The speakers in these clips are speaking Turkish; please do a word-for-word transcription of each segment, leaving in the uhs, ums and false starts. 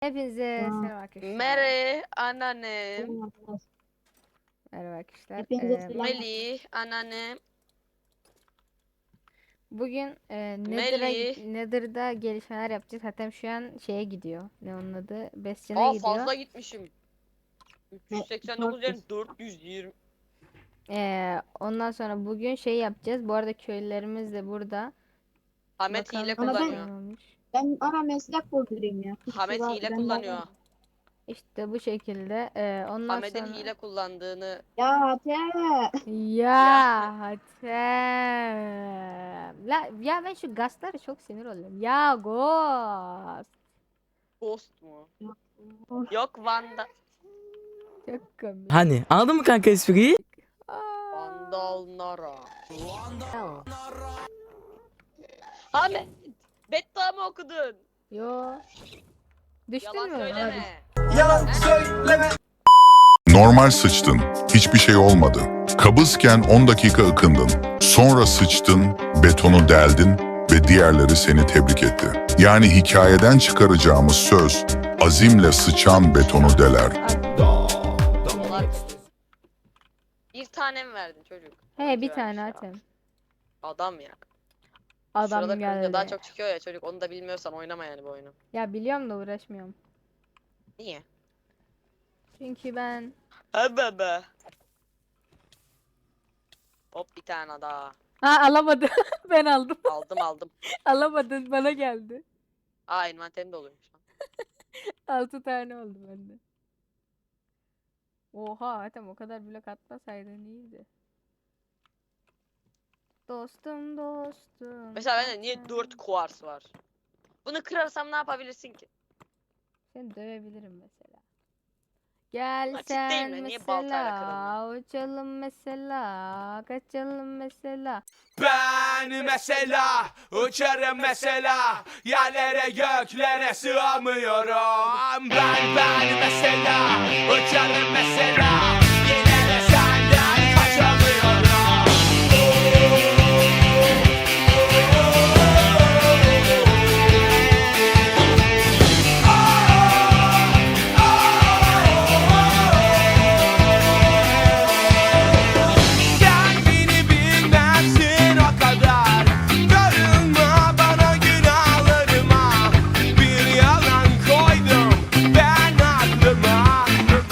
Hepinize Aa, selam arkadaşlar. Mere anneannem. selam arkadaşlar. Merhaba arkadaşlar. Hepinize Ee, selam. Melih anneannem. bugün e, Nether'a, Melih. Nether'da gelişmeler yapacağız. Hatta şu an şeye gidiyor. Ne onun adı? Bastion'a Aa gidiyor. fazla gitmişim. Ne? üç yüz seksen dokuz yerine dört yüz yirmi. Ee, ondan sonra bugün şey yapacağız. Bu arada köylülerimiz de burada. Hamet Bakalım hile kaç Ama ben- tane kullanıyor. olmuş. Ben ara meslek buldurayım ya. Hiç Hamet sıra- hile ben kullanıyor. bakarım. İşte bu şekilde. Ee, ondan Hamet'in sonra... hile kullandığını. Ya Hatice. Ya Hatem. La, ya ben şu gazlara çok sinir oluyorum. Ya Ghost. Ghost mu? Of, Yok Vanda. Çok komik. Hani anladın mı kanka espriyi? Aa. Vandal Nara. Hamet. Betta mı okudun? Yo. Düştün Yalan mü? söyleme. Normal sıçtın. Hiçbir şey olmadı. Kabızken on dakika ıkındın. Sonra sıçtın, betonu deldin ve diğerleri seni tebrik etti. Yani hikayeden çıkaracağımız söz, azimle sıçan betonu deler. Dolar. Bir tane mi verdin çocuk? He bir Güzelmiş tane ya. Hatem. Adam ya. Adam Şurada kırınca geldi. daha çok çıkıyor ya çocuk. Onu da bilmiyorsan oynama yani bu oyunu. Ya biliyorum da uğraşmıyorum. Niye? Çünkü ben Ha bebe. Hop bir tane daha. ha alamadım. Ben aldım. Aldım aldım. Alamadın bana geldi. Aa envanterim doluymuş. Altı tane oldu bende. Oha Hatem o kadar blok atmasaydın iyiydi. Dostum dostum. Mesela bende niye Hatem. dört kuars var? Bunu kırarsam ne yapabilirsin ki? Seni dövebilirim mesela. Gel Açık sen değil mi? Niye baltayla mesela uçalım mesela kaçalım mesela. Ben mesela uçarım mesela yerlere göklere sığamıyorum. Ben ben mesela uçarım mesela yine de senden kaçamıyorum. Sen beni bilmezsin o kadar. Darılma bana günahlarıma. Bir yalan koydum ben aklıma.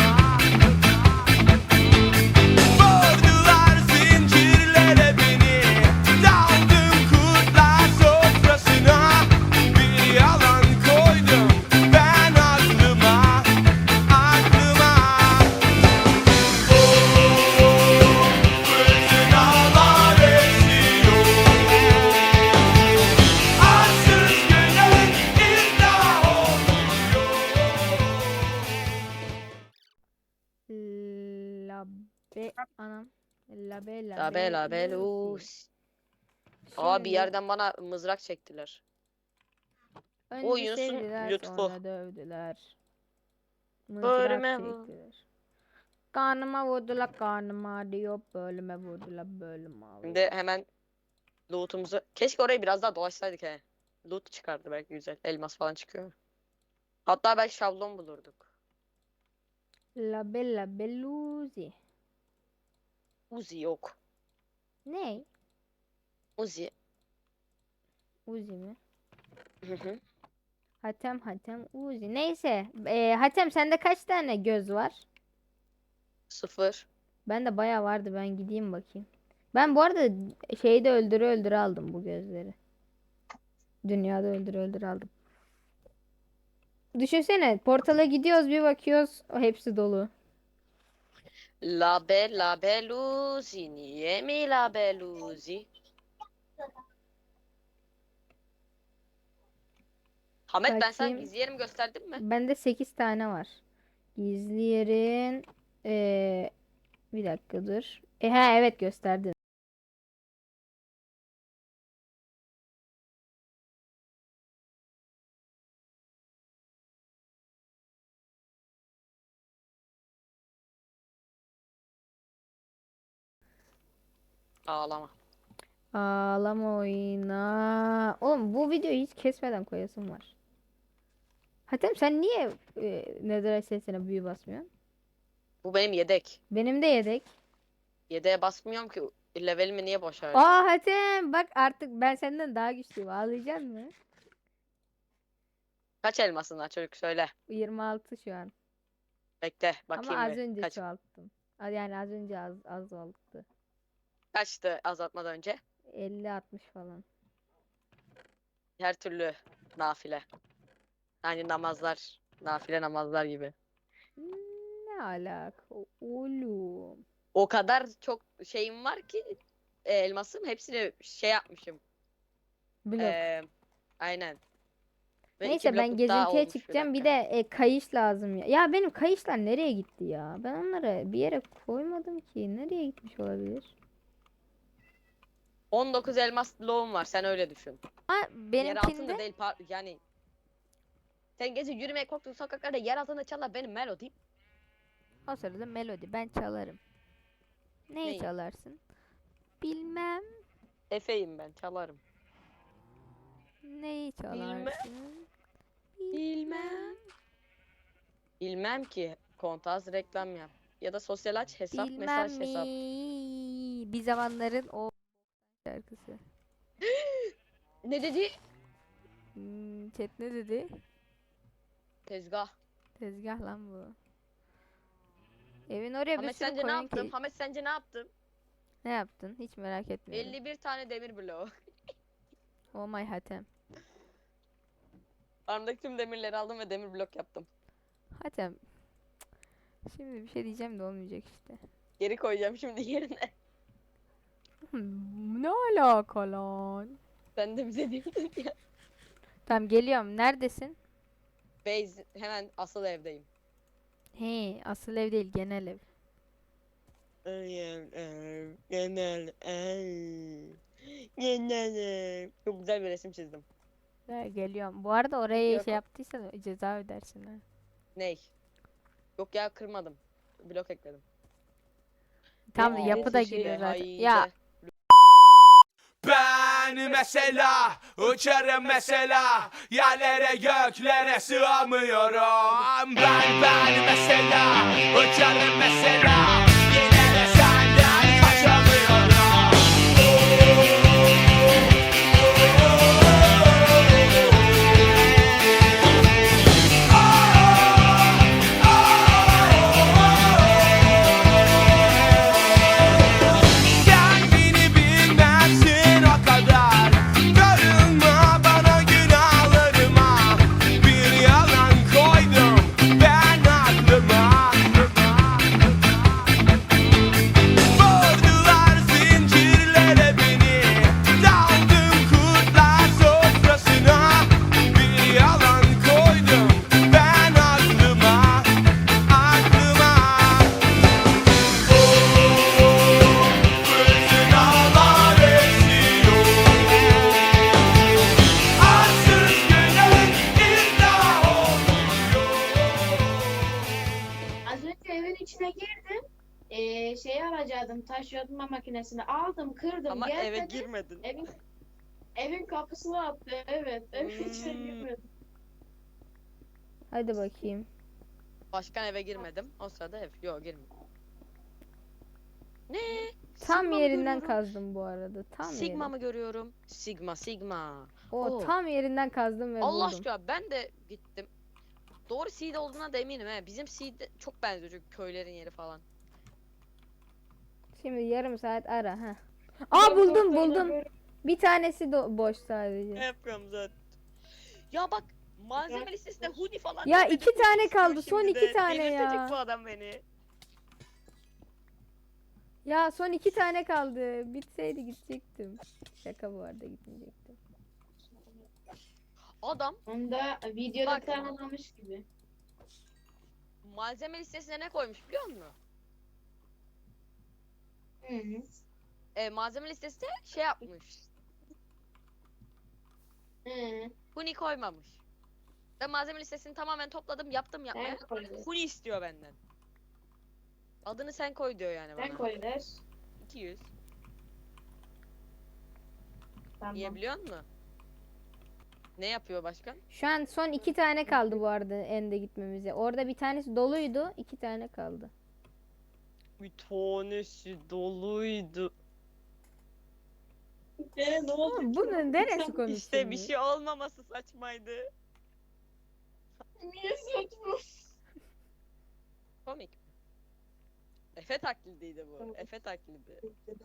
Vurdular zincirlere beni. Daldım kurtlar sofrasına. Bir yalan koydum ben aklıma. Aklıma. Fırtınalar esiyor. Arsız güneş iddia oluyor. Labe anam. Labe labe. Labe labe Lucy. lus. Aa bir Şimdi yerden bana mızrak çektiler. önce O Yunus'un sevdiler lütfu. sonra dövdüler. Bölüme Mızrak vur. çektiler. Karnıma vurdular karnıma diyor bölüme vurdular bölüme. Şimdi hemen loot'umuzu. Keşke orayı biraz daha dolaşsaydık he. Loot çıkardı belki güzel. Elmas falan çıkıyor. Hatta belki şablon bulurduk. Labe labe Lucy. Uzi yok. Ne? Uzi. Uzi mi? Hı hı. Hatem Hatem Uzi. Neyse. Ee, Hatem sende kaç tane göz var? Sıfır. Bende bayağı vardı. Ben gideyim bakayım. Ben bu arada şeyde öldürü öldürü aldım bu gözleri. Dünyada öldürü öldürü aldım. Düşünsene portala gidiyoruz bir bakıyoruz o hepsi dolu. Labe labe luzi. Niye mi labe luzi? Hamet ben sana Bakayım. gizli yerimi gösterdim mi? Bende sekiz tane var. Gizli yerin ee, bir dakika dur. E, ha evet gösterdin. Ağlama. Ağlama oyna. Oğlum bu videoyu hiç kesmeden koyasım var. Hatem sen niye e, Netherite sesine büyü basmıyorsun? Bu benim yedek. Benim de yedek. Yedeğe basmıyorum ki. Levelimi niye boş harcayayım? Aa Hatem bak artık ben senden daha güçlüyüm. Ağlayacak mı? Kaç elmasın var çocuk söyle. yirmi altı şu an. Bekle bakayım Ama az bir. önce Kaç, çoğalttım. A- Yani az önce az az oldu. kaçtı azaltmadan önce? elli altmış falan. Her türlü nafile. Yani namazlar. Nafile namazlar gibi. Hmm, Ne alaka oğlum? O kadar çok şeyim var ki e, elmasım hepsini şey yapmışım. Blok. Ee, aynen. Ve iki Neyse ben blokluk daha gezintiye olmuş bir çıkacağım. Bir dakika. de e, kayış lazım ya. Ya benim kayışlar nereye gitti ya? Ben onları bir yere koymadım ki. Nereye gitmiş olabilir? on dokuz elmas bloğum var sen öyle düşün. Ha Yer altında benimkinde değil par- yani. Sen gece yürümeye korktuğun sokaklarda yer altında çalar benim melodi. o sırada melodi ben çalarım. Neyi Neyi? çalarsın? Bilmem. Efeyim ben çalarım. Neyi Bilmem. çalarsın? Bilmem. Bilmem ki. Kontaz reklam yap. Ya da sosyal aç hesap Bilmem mesaj hesap. mi? Bir zamanların o şarkısı. Ne dedi? Hmm, chat ne dedi? Tezgah. Tezgah lan bu. Evin oraya bir Hamet sürü sence ne koyun yaptım? ki. Hamet sence ne yaptım? Ne yaptın? Hiç merak etmiyorum. elli bir tane demir bloğu. Oh my Hatem. Armdaki tüm demirleri aldım ve demir blok yaptım. Hatem. Şimdi bir şey diyeceğim de olmayacak işte. Geri koyacağım şimdi yerine. Hmm, ne alaka lan? Sen de bize diyordun ya. Tamam geliyorum. Neredesin? Base hemen asıl evdeyim. He, asıl ev değil, genel ev. Genel ev. Genel ev. Çok güzel bir resim çizdim. Ha, geliyorum. Bu arada oraya Yok. şey yaptıysan ceza ödersin ha. Ney? Yok ya kırmadım. Blok ekledim. Tam Aa, yapı da neyse şey, giriyor zaten. haydi. Ya Ben mesela uçarım mesela yerlere göklere sığamıyorum. Ben ben mesela uçarım mesela yine de senden kaçamıyorum. Sen beni bilmezsin o kadar. Darılma bana günahlarıma. Bir yalan koydum ben aklıma. Vurdular zincirlere beni. Daldım kurtlar sofrasına. Bir yalan koydum ben aklıma. Aklıma. Fırtınalar esiyor. Arsız günün iddia oluyor. Az önce evin içine girdim. Ee, şeyi alacaktım. Taş yodma makinesini aldım, kırdım, Ama gel eve dedim. girmedin. Evin, evin kapısını attı. Evet, evin içine Hmm. girmedim. hadi bakayım. Başkan eve girmedim. O sırada ev. Yok girmedim. Ne? Tam Sigma mı yerinden görüyorum? kazdım bu arada. Tam Sigma yeri. mı görüyorum? Sigma, Sigma. O Oo. tam yerinden kazdım ve Allah buldum. aşkına ben de gittim. Doğru seed olduğuna da eminim he. Bizim seed de çok benziyor çünkü köylerin yeri falan. Şimdi yarım saat ara ha. Aa buldum buldum. Bir tanesi do- boş sadece. yapıyorum zaten? Ya bak malzeme listesinde hoodie falan. Ya görmedim. iki tane Hoodie istiyor kaldı, son şimdi iki de. tane Delirtecek ya. bu adam beni. Ya son iki tane kaldı. Bitseydi gidecektim. Şaka bu arada gitmeyecektim. Adam Onu da videoda Bak. tanımlamış gibi. malzeme listesine ne koymuş biliyor musun? Hı hı. E, malzeme listesine şey yapmış. Hı. Huni koymamış. Ben malzeme listesini tamamen topladım yaptım yapmaya. Sen koy. Huni istiyor benden. Adını sen koy diyor yani Sen bana. koy der. iki yüz. Tamam. Niye biliyor musun? Ne yapıyor başka? Şu an son iki tane kaldı bu arada ende gitmemize. Orada bir tanesi doluydu. iki tane kaldı. Bir tanesi doluydu. Ee, ne oldu? Oğlum bunun neresi komik İşte bir şimdi? şey olmaması saçmaydı. Niye saçma? Komik. Efe taklidiydi bu. Efe taklidi.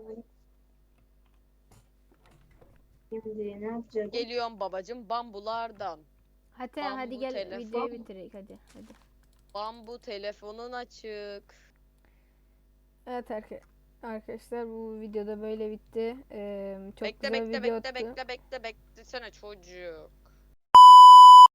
Şimdi ne yapacağız? Geliyorum babacım bambulardan. Hadi Bambu hadi gel telefon. videoyu bitirek hadi hadi. Bambu telefonun açık. Evet arka- arkadaşlar bu videoda böyle bitti. Ee, çok bekle güzel bekle video bekle attı. bekle bekle beklesene çocuğu.